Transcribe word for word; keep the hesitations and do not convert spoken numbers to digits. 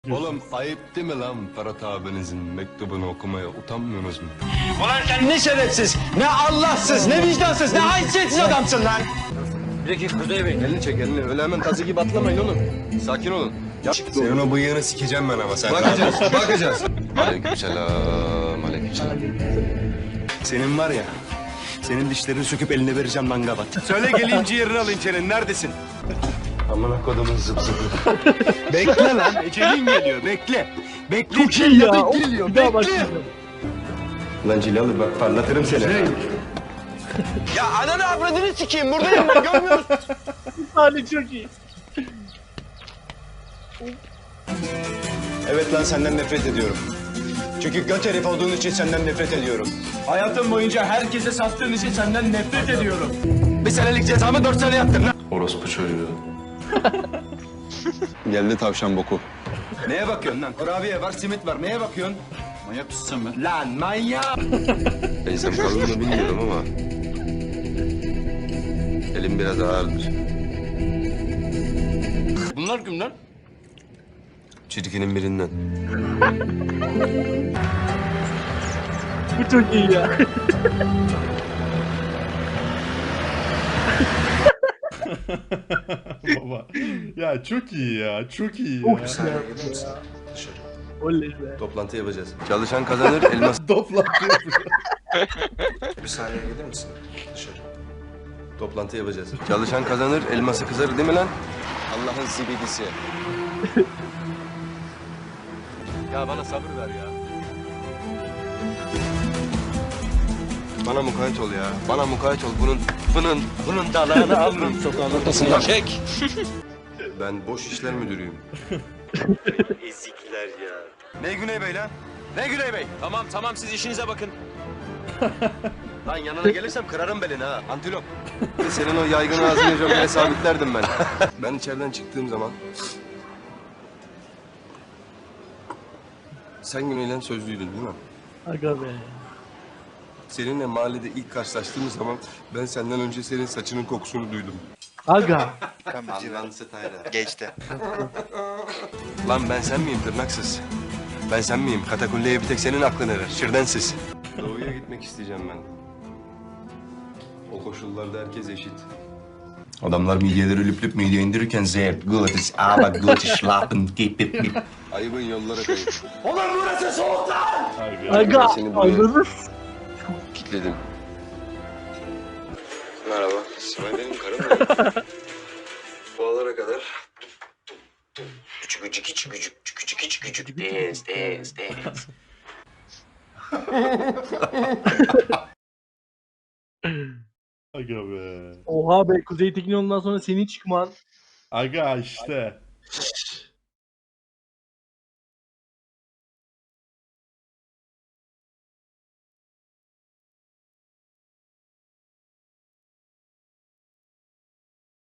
Oğlum ayıp değil mi lan Ferhat abinizin mektubunu okumaya utanmıyorsunuz mu? Ulan sen ne şerefsiz, ne Allahsız, ne vicdansız, ne haysiyetsiz adamsın lan! Bir dakika Kuzey Bey. Elini çek elini. Öyle hemen tazı gibi atlamayın oğlum. Sakin olun. Ya, senin o bıyığını sikeceğim ben ama sen. Bakacağız, bakacağız. Aleykümselam, aleykümselam. Senin var ya, senin dişlerini söküp eline vereceğim lan gavat. Söyle geleyim ciğerini alayım senin, neredesin? Amına kodumun zıp zıpı. Bekle lan, ecelin geliyor, bekle. Bekle, Çok iyi ya. geliyor, Bir daha bekle. başlayalım. Lan Cilalı bak parlatırım seni. Ya ananı avradını sikeyim, buradayım ben, görmüyor musun? Sahne çok iyi. Evet lan senden nefret ediyorum. Çünkü göt herif olduğun için senden nefret ediyorum. Hayatım boyunca herkese sattığın için senden nefret ediyorum. Bir senelik cezamı dört sene yattın lan. Orospu çocuğu. Geldi tavşan boku. Neye bakıyorsun lan? Kurabiye var, simit var. Neye bakıyorsun? Manyak mısın sen be? Lan manyak! Beysem kaldığını bilmiyorum ama... elim biraz ağırdır. Bunlar kim lan? Çirkinin birinden. Bu çok iyi ya. Baba. Ya çok iyi ya. Çok iyi Çok ya. güzel. Oley be. Toplantı yapacağız. Çalışan kazanır, elmas... Toplantı yapıyor. Bir saniye gelir misin? Dışarı. Toplantı yapacağız. Çalışan kazanır, elması kızarır değil mi lan? Allah'ın zibidisi. Ya bana sabır ver ya. Bana mukayyet ol ya. Bana mukayyet ol. Bunun, bunun, bunun dalağını alırım sokağın ortasından. Çek. Ben boş işler müdürüyüm. Ezikler ya. Ne Güney Bey lan? Ne Güney Bey? Tamam tamam, siz işinize bakın. Lan yanına gelirsem kırarım belini ha, antilop. Senin o yaygın ağzını jokere sabitlerdim ben. Ben içeriden çıktığım zaman... Sen Güney'le sözlüydün değil mi? Aga be. Seninle mahallede ilk karşılaştığımız zaman ben senden önce senin saçının kokusunu duydum. Aga. Allah'ın Tayla. Geçti. Lan ben sen miyim tırnaksız? Ben sen miyim? Katakulleye bir tek senin aklın erer. Şirdensiz. Doğuya gitmek isteyeceğim ben. O koşullarda herkes eşit. Adamlar midyeleri lüp lüp midye indirirken zevk, good, is aber good, schlappen, dip dip dip. Ayıbın yollara kayıp. Ulan burası soğuk lan! Aga. Seni buraya Anladın. kilitledim. Merhaba, Sibel benim karım ya. Bu alara kadar... Küçük küçük küçük küçük küçük küçük küçük dez dez dez. Aga be. Oha be, Kuzey Tekin ondan sonra senin çıkman. Aga işte.